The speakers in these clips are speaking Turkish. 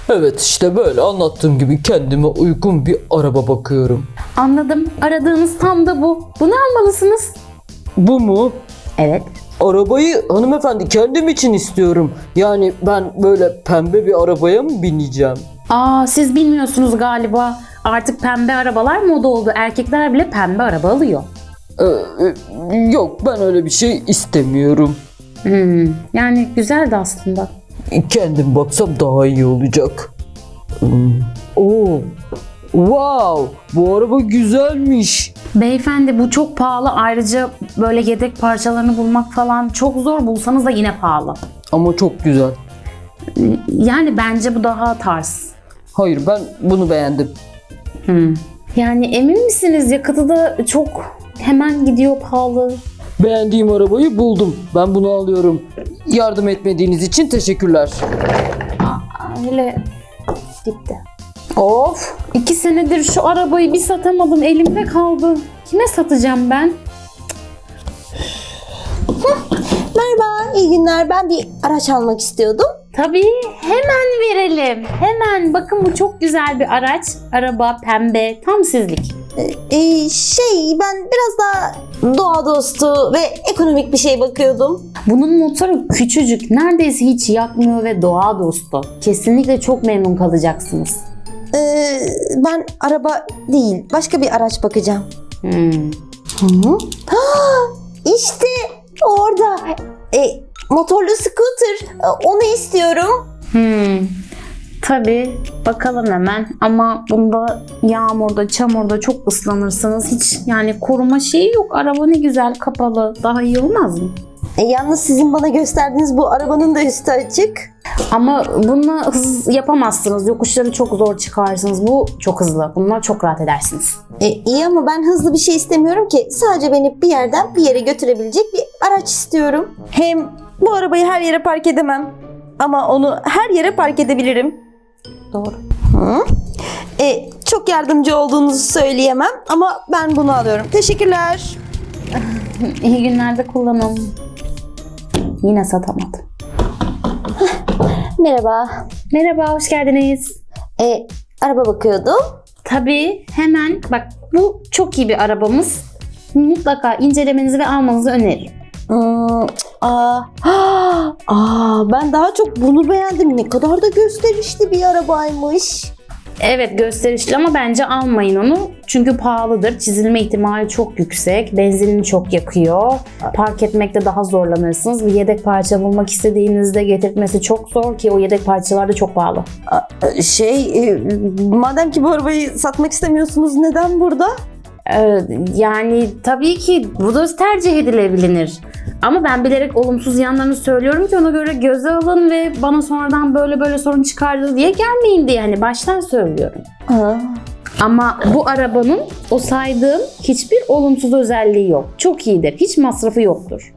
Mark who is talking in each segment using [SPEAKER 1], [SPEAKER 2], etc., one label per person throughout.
[SPEAKER 1] Evet, işte böyle anlattığım gibi kendime uygun bir araba bakıyorum.
[SPEAKER 2] Anladım. Aradığınız tam da bu. Bunu almalısınız.
[SPEAKER 1] Bu mu?
[SPEAKER 2] Evet.
[SPEAKER 1] Arabayı hanımefendi kendim için istiyorum. Yani ben böyle pembe bir arabaya mı bineceğim?
[SPEAKER 2] Siz bilmiyorsunuz galiba. Artık pembe arabalar moda oldu. Erkekler bile pembe araba alıyor.
[SPEAKER 1] Yok, ben öyle bir şey istemiyorum.
[SPEAKER 2] Yani güzeldi aslında.
[SPEAKER 1] Kendim baksam daha iyi olacak. Oo, wow, bu araba güzelmiş.
[SPEAKER 2] Beyefendi bu çok pahalı. Ayrıca böyle yedek parçalarını bulmak falan çok zor. Bulsanız da yine pahalı.
[SPEAKER 1] Ama çok güzel.
[SPEAKER 2] Yani bence bu daha tarz.
[SPEAKER 1] Hayır, ben bunu beğendim.
[SPEAKER 2] Yani emin misiniz? Yakıtı da çok hemen gidiyor pahalı.
[SPEAKER 1] Beğendiğim arabayı buldum. Ben bunu alıyorum. Yardım etmediğiniz için teşekkürler.
[SPEAKER 2] Öyle gitti. Of! 2 senedir şu arabayı bir satamadım. Elimde kaldı. Kime satacağım ben?
[SPEAKER 3] Merhaba, iyi günler. Ben bir araç almak istiyordum.
[SPEAKER 2] Tabii hemen verelim. Hemen bakın bu çok güzel bir araç. Araba pembe tam sizlik.
[SPEAKER 3] Ben biraz daha doğa dostu ve ekonomik bir şey bakıyordum.
[SPEAKER 2] Bunun motoru küçücük. Neredeyse hiç yakmıyor ve doğa dostu. Kesinlikle çok memnun kalacaksınız.
[SPEAKER 3] Ben araba değil, başka bir araç bakacağım. İşte orada. Motorlu scooter. Onu istiyorum.
[SPEAKER 2] Tabii bakalım hemen ama bunda yağmurda, çamurda çok ıslanırsınız. Hiç yani koruma şeyi yok. Araba ne güzel kapalı. Daha iyi olmaz mı?
[SPEAKER 3] Yalnız sizin bana gösterdiğiniz bu arabanın da üstü açık.
[SPEAKER 2] Ama bununla hız yapamazsınız. Yokuşları çok zor çıkarsınız. Bu çok hızlı. Bununla çok rahat edersiniz.
[SPEAKER 3] İyi ama ben hızlı bir şey istemiyorum ki. Sadece beni bir yerden bir yere götürebilecek bir araç istiyorum. Hem bu arabayı her yere park edemem. Ama onu her yere park edebilirim.
[SPEAKER 2] Doğru.
[SPEAKER 3] Çok yardımcı olduğunuzu söyleyemem ama ben bunu alıyorum. Teşekkürler.
[SPEAKER 2] İyi günlerde kullanın. Yine satamadım.
[SPEAKER 3] Merhaba.
[SPEAKER 2] Merhaba, hoş geldiniz.
[SPEAKER 3] Araba bakıyordum.
[SPEAKER 2] Tabii hemen bak bu çok iyi bir arabamız. Mutlaka incelemenizi ve almanızı öneririm.
[SPEAKER 3] Ben daha çok bunu beğendim. Ne kadar da gösterişli bir arabaymış.
[SPEAKER 2] Evet gösterişli ama bence almayın onu. Çünkü pahalıdır. Çizilme ihtimali çok yüksek. Benzinini çok yakıyor. Park etmekte daha zorlanırsınız. Bir yedek parça bulmak istediğinizde getirtmesi çok zor ki o yedek parçalar da çok pahalı.
[SPEAKER 3] Madem ki bu arabayı satmak istemiyorsunuz, neden burada?
[SPEAKER 2] Yani tabii ki bu da tercih edilebilir. Ama ben bilerek olumsuz yanlarını söylüyorum ki ona göre göze alın ve bana sonradan böyle sorun çıkardı diye gelmeyin diye hani baştan söylüyorum. Ama bu arabanın o saydığım hiçbir olumsuz özelliği yok. Çok iyidir. Hiç masrafı yoktur.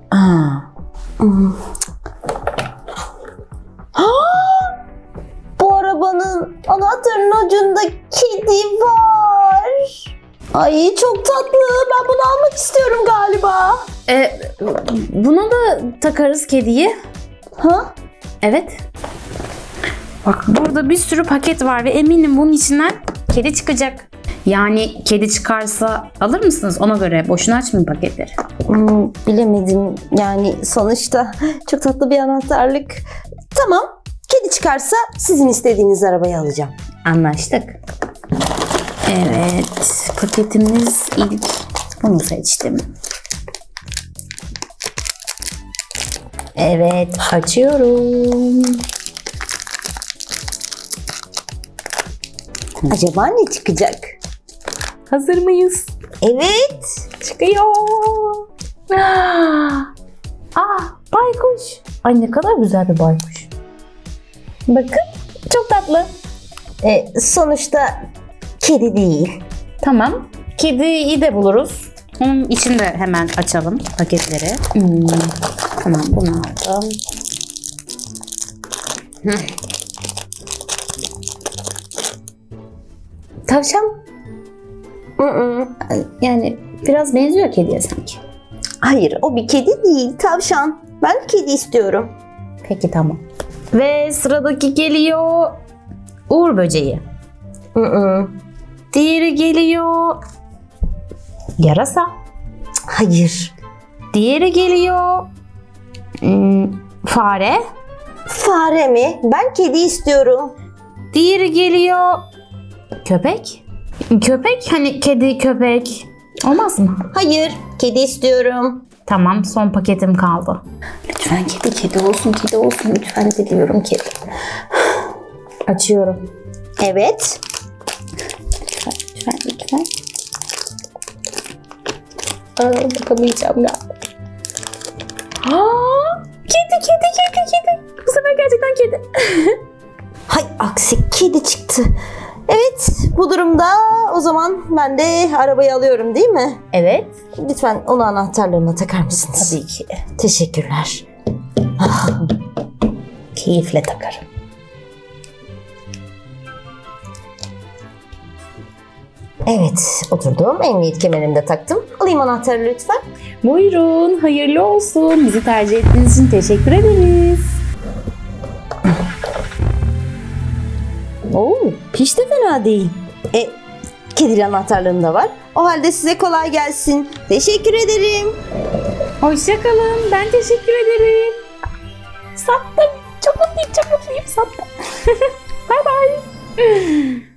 [SPEAKER 3] Bu arabanın anahtarının ucunda kedi var. Ay çok tatlı. Ben bunu almak istiyorum galiba.
[SPEAKER 2] Buna da takarız kediyi. Evet. Bak burada bir sürü paket var ve eminim bunun içinden kedi çıkacak. Yani kedi çıkarsa alır mısınız? Ona göre boşuna açmayın paketleri.
[SPEAKER 3] Bilemedim. Yani sonuçta çok tatlı bir anahtarlık. Tamam. Kedi çıkarsa sizin istediğiniz arabayı alacağım.
[SPEAKER 2] Anlaştık. Evet. Paketimiz ilk bunu seçtim. Evet. Açıyorum.
[SPEAKER 3] Acaba ne çıkacak?
[SPEAKER 2] Hazır mıyız?
[SPEAKER 3] Evet.
[SPEAKER 2] Çıkıyor. Baykuş. Ay ne kadar güzel bir baykuş. Bakın çok tatlı.
[SPEAKER 3] Sonuçta kedi değil.
[SPEAKER 2] Tamam. Kediyi de buluruz. Onun için de hemen açalım paketleri. Tamam bunu aldım. Tavşan. Yani biraz benziyor kediye sanki.
[SPEAKER 3] Hayır, o bir kedi değil, tavşan. Ben kedi istiyorum.
[SPEAKER 2] Peki tamam. Ve sıradaki geliyor. Uğur böceği. Diğeri geliyor. Yarasa.
[SPEAKER 3] Hayır.
[SPEAKER 2] Diğeri geliyor. Fare.
[SPEAKER 3] Fare mi? Ben kedi istiyorum.
[SPEAKER 2] Diğeri geliyor. Köpek. Köpek, hani kedi, köpek. Olmaz mı?
[SPEAKER 3] Hayır. Kedi istiyorum.
[SPEAKER 2] Tamam, son paketim kaldı.
[SPEAKER 3] Lütfen kedi olsun, kedi olsun. Lütfen diliyorum kedi.
[SPEAKER 2] Açıyorum.
[SPEAKER 3] Evet. Lütfen.
[SPEAKER 2] Bakamayacağım ya. Kedi. Bu sefer gerçekten kedi.
[SPEAKER 3] Hay aksi kedi çıktı. Evet, bu durumda o zaman ben de arabayı alıyorum değil mi?
[SPEAKER 2] Evet.
[SPEAKER 3] Lütfen onu anahtarlarına takar mısınız?
[SPEAKER 2] Tabii ki.
[SPEAKER 3] Teşekkürler.
[SPEAKER 2] Keyifle takarım.
[SPEAKER 3] Evet, oturdum. Emniyet kemerimi de taktım. Alayım anahtarı lütfen.
[SPEAKER 2] Buyurun, hayırlı olsun. Bizi tercih ettiğiniz için teşekkür ederiz.
[SPEAKER 3] Oo, hiç de fena değil. Kedili anahtarlığım da var. O halde size kolay gelsin. Teşekkür ederim.
[SPEAKER 2] Hoşçakalın. Ben teşekkür ederim. Sattım. Çok mutluyum. Sattım. Bye bye.